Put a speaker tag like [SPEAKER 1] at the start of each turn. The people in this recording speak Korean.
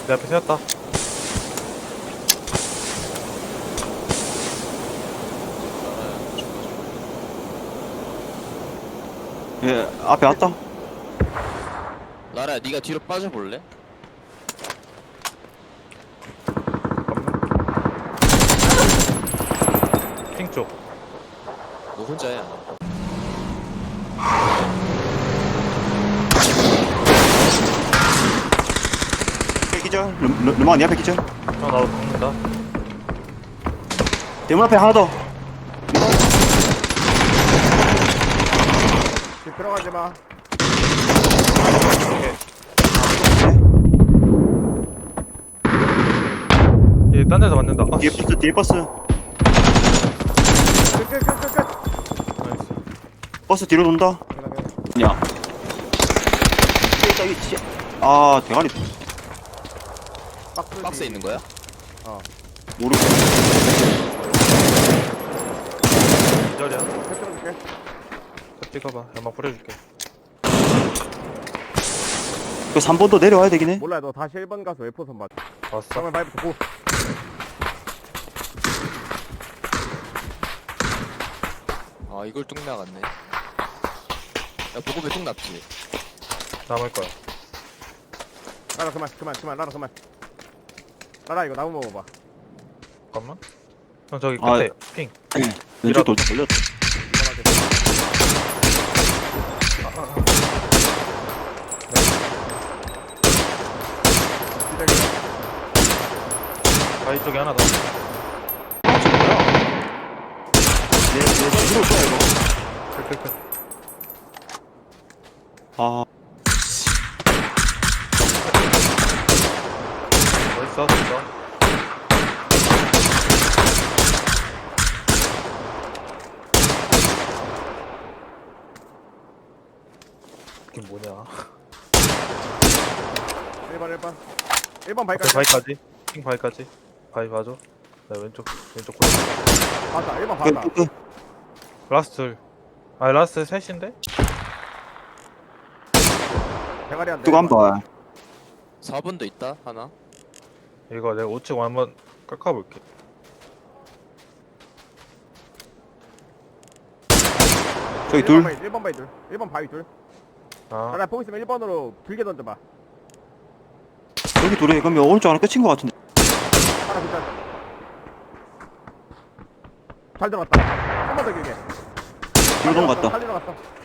[SPEAKER 1] 내 앞에 세웠다.
[SPEAKER 2] 예, 앞에 왔다.
[SPEAKER 3] 라라야 네가 뒤로 빠져볼래?
[SPEAKER 1] 핑 쪽.
[SPEAKER 3] 너 혼자야.
[SPEAKER 2] 기절. 르마 니 앞에 기절.
[SPEAKER 1] 나도 죽는다.
[SPEAKER 2] 대문 앞에 하나 더.
[SPEAKER 4] 집 들어가지 마.
[SPEAKER 1] 얘딴 데서 맞는다. 아,
[SPEAKER 2] 뒤에
[SPEAKER 1] 씨.
[SPEAKER 2] 버스, 뒤에 버스.
[SPEAKER 4] 끝.
[SPEAKER 1] 나이스.
[SPEAKER 2] 버스 뒤로 돈다. 야. 저기, 아, 대가리
[SPEAKER 3] 박스에 있는 거야?
[SPEAKER 2] 모르겠어.
[SPEAKER 1] 기절이야.
[SPEAKER 4] 펴줄게.
[SPEAKER 1] 찍어봐. 연막 뿌려줄게.
[SPEAKER 2] 그 3번도 내려와야 되긴 해.
[SPEAKER 4] 몰라, 너 다시 1번 가서 웨포선 맞.
[SPEAKER 1] 왔어.
[SPEAKER 4] 정말 바이부터 고.
[SPEAKER 3] 아 이걸 뚝 나갔네. 야 보급에 뚝 났지.
[SPEAKER 1] 남을 거야.
[SPEAKER 4] 라라 그만. 라라 그만. 라라 이거 나무 먹어봐.
[SPEAKER 1] 잠깐만. 형 저기
[SPEAKER 2] 아,
[SPEAKER 1] 끝에 핑.
[SPEAKER 2] 왼쪽 돌 걸렸다.
[SPEAKER 4] 이만하게. 기다려.
[SPEAKER 1] 바위 쪽에 하나 더.
[SPEAKER 2] 내 뒤로 쏘야 이거.
[SPEAKER 1] 끝.
[SPEAKER 2] 아,
[SPEAKER 1] 어딨어? 됐어. 이게 뭐냐?
[SPEAKER 4] 1번
[SPEAKER 1] 앞에
[SPEAKER 4] 바이까지.
[SPEAKER 1] 바위까지. 핑 바위까지. 바위 봐줘. 나 왼쪽 골.
[SPEAKER 4] 봤다. 1번 봤다.
[SPEAKER 2] 그,
[SPEAKER 1] 라스트 둘. 아 라스트 셋인데?
[SPEAKER 4] 대가리 한 대.
[SPEAKER 2] 뜨거 한 번.
[SPEAKER 3] 4번도 있다 하나.
[SPEAKER 1] 이거 내가 우측 한번 깎아볼게.
[SPEAKER 2] 저기 둘.
[SPEAKER 4] 1번 바위 둘. 1번 바위 둘.
[SPEAKER 1] 아
[SPEAKER 4] 라라 보고 있으면 1번으로 길게 던져봐.
[SPEAKER 2] 여기 둘에 그러면 오른쪽 하나 끝인 것 같은데.
[SPEAKER 4] 하나 기절. 잘 들어갔다. 한 번 더 길게.
[SPEAKER 2] 길동 같다.
[SPEAKER 4] 살리러 갔어.